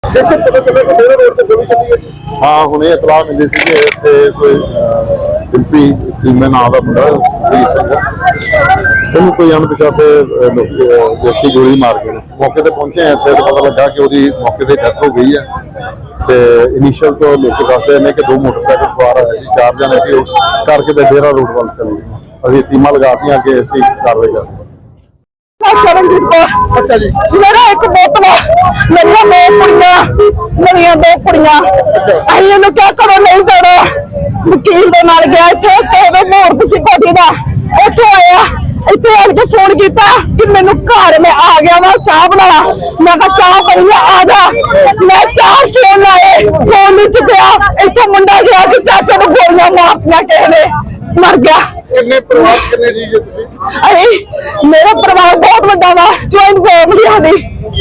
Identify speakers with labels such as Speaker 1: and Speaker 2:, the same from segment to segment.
Speaker 1: हाँ हुणे इतलाह मिली सी कि इत्थे कोई डिम्पी चीमे नाम का मुंडा सुखजीत सिंह इन्हूं कोई अणपछाते व्यक्ति गोली मार गए। मौके पर पहुंचे हैं इत्थे तो पता लगा कि उसकी मौके पर डेथ हो गई है। तो इनिशियल तो लोग दसते हैं कि 2 मोटरसाइकिल सवार आए थे, 4 जने से करके तो डेरा रोड वाल चले गए। अभी टीमां लगातियां कि असीं कार्रवाई कर
Speaker 2: चरणजीत कौर। अच्छा जी। मेरा एक बोतल मेरी 2 कुड़ियां मेरिया 2 कुड़ियां असीं इहनूं क्या करो नहीं देना। वकील दे नाल गया इत्थे ते मुहूर्त सी कोठी दा, उत्थों आया इत्थे आण के फोन किया कि मैनू घर में आ गया वा चाह बना। मैं कहा चाह बनी है आ जा। मैं 4 फोन लाए, फोन नहीं चुकया। इत्थों मुंडा गया कि चाचा नूं गोलियां मारतियां किसे ने, मर गया। मेरा परिवार बहुत बड़ा वा, ज्वाइंट फैमिली साडी।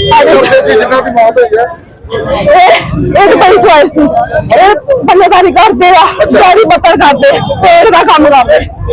Speaker 2: एक बड़ी चॉइस सी बल्लेदारी करते गाड़ी बत्तर करते पेड़ का काम करते।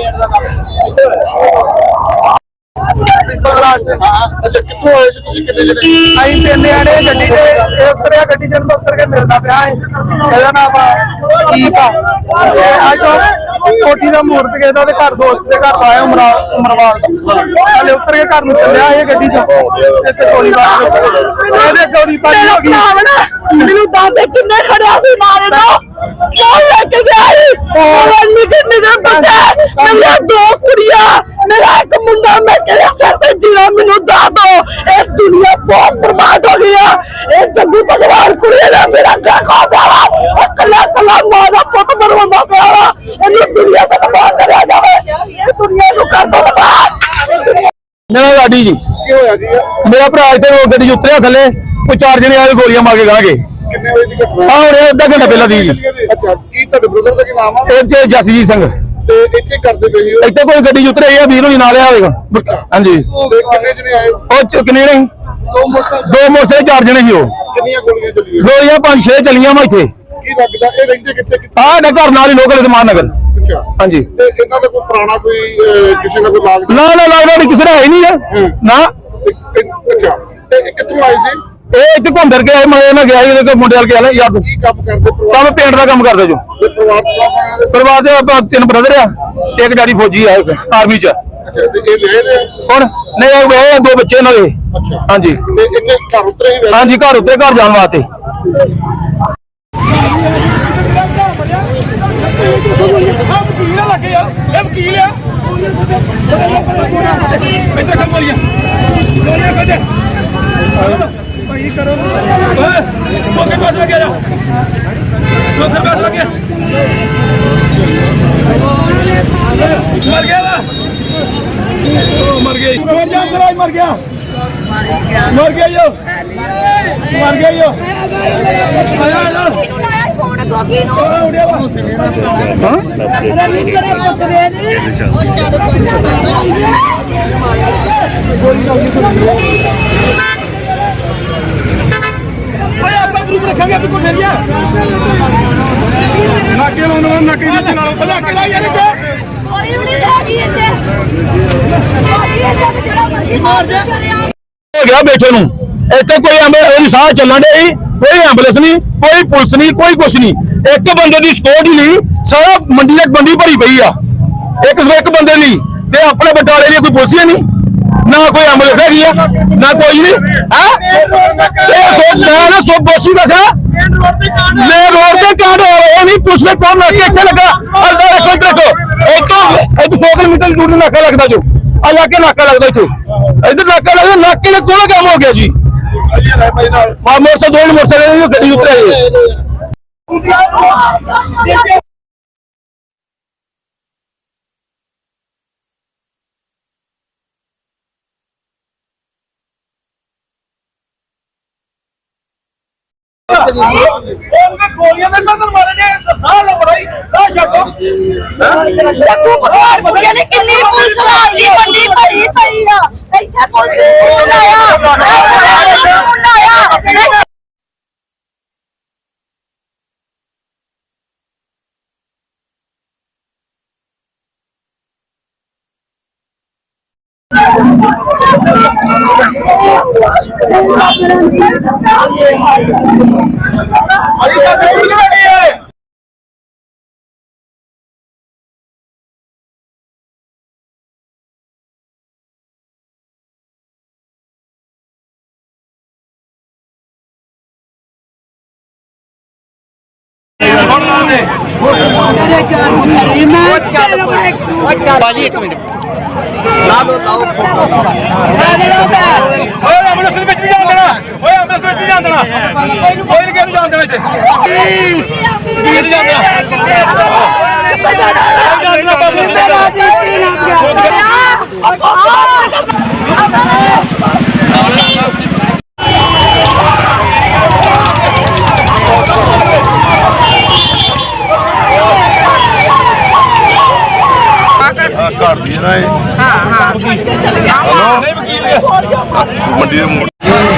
Speaker 1: अच्छा कितों आए सी तुसीं किन्ने जने?
Speaker 3: ਅਸੀਂ 3 ਜਣੇ ਗੱਡੀ ਤੇ ਉਤਰਿਆ, ਗੱਡੀ ਜਨ ਉਤਰ ਕੇ ਮਿਲਦਾ ਪਿਆ ਹੈ। ਇਹਦਾ ਨਾਮ ਕੀਪ ਆ। ਅੱਜ ਕੋਠੀ ਦਾ ਮੂਰਤ ਗਏ ਦਾ ਘਰ ਦੋਸਤ ਦੇ ਘਰ ਆਇਆ ਉਮਰਵਾਲ ਹਲੇ ਉਤਰ ਕੇ ਘਰ ਨੂੰ ਚੱਲਿਆ ਇਹ ਗੱਡੀ ਚ ਤੇ ਗੋਲੀ ਮਾਰ ਇਹਦੇ ਗੋਲੀ ਪਾਈ ਹੋ ਗਈ।
Speaker 2: ਮੈਨੂੰ ਦਾਦੇ ਕਿੰਨੇ ਖੜਿਆ ਸੀ ਨਾਲੇ ਤੋਂ ਕਿਉਂ ਲੈ ਕੇ ਗਿਆ ਨਿੱਕੇ ਨਿੱਕੇ ਬੱਚੇ ਮੇਰੀਆਂ 2 ਕੁੜੀਆਂ मेरा एक मुंडा। मैं कहया सर ते जीना मैनू दस दो। ये दुनिया बहुत बर्बाद हो गई है। ये जग्गू भगवान कुड़ी ने मेरा घर खा दिया। कला कला मां दा पुत मरवांदा पिया वा। इन्हू दुनिया तो तबाह करिया जावे। ये दुनिया नू कर दो तबाह।
Speaker 4: मेरा गाड़ी जी
Speaker 1: की होया जी?
Speaker 4: मेरा भरा इत्थे गड्डी उतरिया थले कोई 4 जने आए गोलियां मार के गांगे।
Speaker 1: किन्ने बजे दी घटना?
Speaker 4: हां हुणे अद्धा घंटा पहला दी जी।
Speaker 1: अच्छा की तुहाडे ब्रदर दा की नाम आ?
Speaker 4: ਇਹ जसजीत सिंह
Speaker 1: ते इत्थे करदे पए हो?
Speaker 4: ਇੱਥੇ ਕੋਈ ਗੱਡੀ ਉਤਰੇ ਆ ਵੀਰ ਨੂੰ ਨਾਲ ਆਵੇਗਾ। ਹਾਂਜੀ
Speaker 1: ते किन्ने जने आए?
Speaker 4: ਉਹ ਕਿੰਨੇ ਨਹੀਂ 2 ਮੋਟਰਸਾਈਕਲ 4 ਜਣੇ ਸੀ। ਉਹ
Speaker 1: किन्नियां गोलियां चली?
Speaker 4: ਗੋਲੀਆਂ 5-6 ਚੱਲੀਆਂ ਵਾ ਇੱਥੇ।
Speaker 1: की लगदा ए रहिंदे कित्थे?
Speaker 4: ਆਹ ਨਾ ਘਰ ਨਾਲ ਹੀ ਲੋਕਲ ਇਤਮਾਨ ਨਗਰ।
Speaker 1: अच्छा
Speaker 4: ਹਾਂਜੀ
Speaker 1: ते इन्हां दा कोई पुराना कोई किसी का कोई लाग
Speaker 4: ਨਾ ਲੱਗਦਾ ਕਿਸੇ ਦਾ ਹੈ ਨਹੀਂ ਹੈ ਨਾ।
Speaker 1: अच्छा ते कित्थों आए सी?
Speaker 4: ਇਹ ਇੱਥੇ ਘੁੰਮਦਰ ਕੇ ਆਏ ਮੈਂ ਗਿਆ ਇਹਦੇ ਕੋਲ ਮੁੰਡੇ ਵਾਲ ਕੇ ਆਲੇ ਯਾਰ
Speaker 1: की काम करदे परिवार?
Speaker 4: ਕੰਮ ਪੇਂਟ ਦਾ ਕੰਮ ਕਰਦਾ ਜੋ।
Speaker 1: परिवार च
Speaker 4: ਪਰਿਵਾਰ ਦੇ ਆਪਾਂ 3 ਬ੍ਰਦਰ ਆ, ਇੱਕ ਡੈਡੀ ਫੌਜੀ ਆ ਆਰਮੀ ਚ।
Speaker 1: अच्छा ते ए ले दे?
Speaker 4: ਹੁਣ ਨਹੀਂ ਇਹ 2 ਬੱਚੇ ਇਹਨਾਂ ਦੇ।
Speaker 1: अच्छा
Speaker 4: ਹਾਂਜੀ
Speaker 1: ते इत्थे घर उतरे ही
Speaker 4: ਹਾਂਜੀ ਘਰ ਉੱਤੇ ਘਰ ਜਾਣ ਵਾਸਤੇ। गया बैठे नू इतने कोई साह चलन डे कोई एंबुलेंस नहीं कोई पुलिस नहीं कोई कुछ नहीं एक बंदे की सिक्योरिटी नहीं सारा मंडी तक मंडी भरी पई आ एक बंदे नहीं ते अपने बटाले लिए कोई पुलिस नहीं ना कोई एंबुलेंस है ना कोई नहीं मैं सो बोसी रखा ले रोड से कांड हो रहे नहीं पुलिस ने कौन रखे लगा अल्लाह रखो देखो एक 100 किलोमीटर दूर नाका लगता जो इलाके नाका लगता इतने इधर नाका लगता नाके ने कौन काम हो गया जी मोटरसाइकिल 2 मोटरसाइकिल गड्डी उतरे
Speaker 3: गोलियां में मारे
Speaker 2: किन्नी पुलिस लाती मंडी भरी पई आ इत्थे पुलिस लाया
Speaker 3: ਬਾਜੀ ਇੱਕ ਮਿੰਟ
Speaker 4: ਓਏ ਐਂਬੂਲੈਂਸ ਵਿੱਚ ਨਹੀਂ ਜਾਣ ਦੇਣਾ ਓਏ ਐਂਬੂਲੈਂਸ ਵਿੱਚ ਨਹੀਂ ਜਾਣ ਦੇਣਾ ਕੋਈ ਨਹੀਂ ਕਿਹਨੂੰ ਜਾਣ ਦੇਣਾ ਇੱਥੇ ਕਿਹਨੂੰ ਜਾਣ
Speaker 1: ਘਰ ਦੀ ਨਾ ਇਹ ਮੰਡੀ ਦੇ ਮੋੜ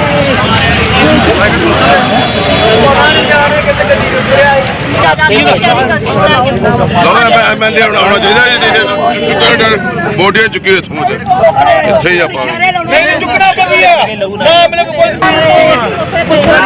Speaker 1: ਮੈਂ ਲਿਆਉਣਾ ਆਉਣਾ ਚਾਹੀਦਾ ਬੋਡੀਆਂ ਚੁੱਕੀ ਇੱਥੋਂ ਇੱਥੇ ਹੀ ਆਪਾਂ
Speaker 4: ਨਹੀਂ ਚੁੱਕਣਾ ਪਈ ਹੈ ਨਾ ਮੇਰੇ ਕੋਲ ਕੋਈ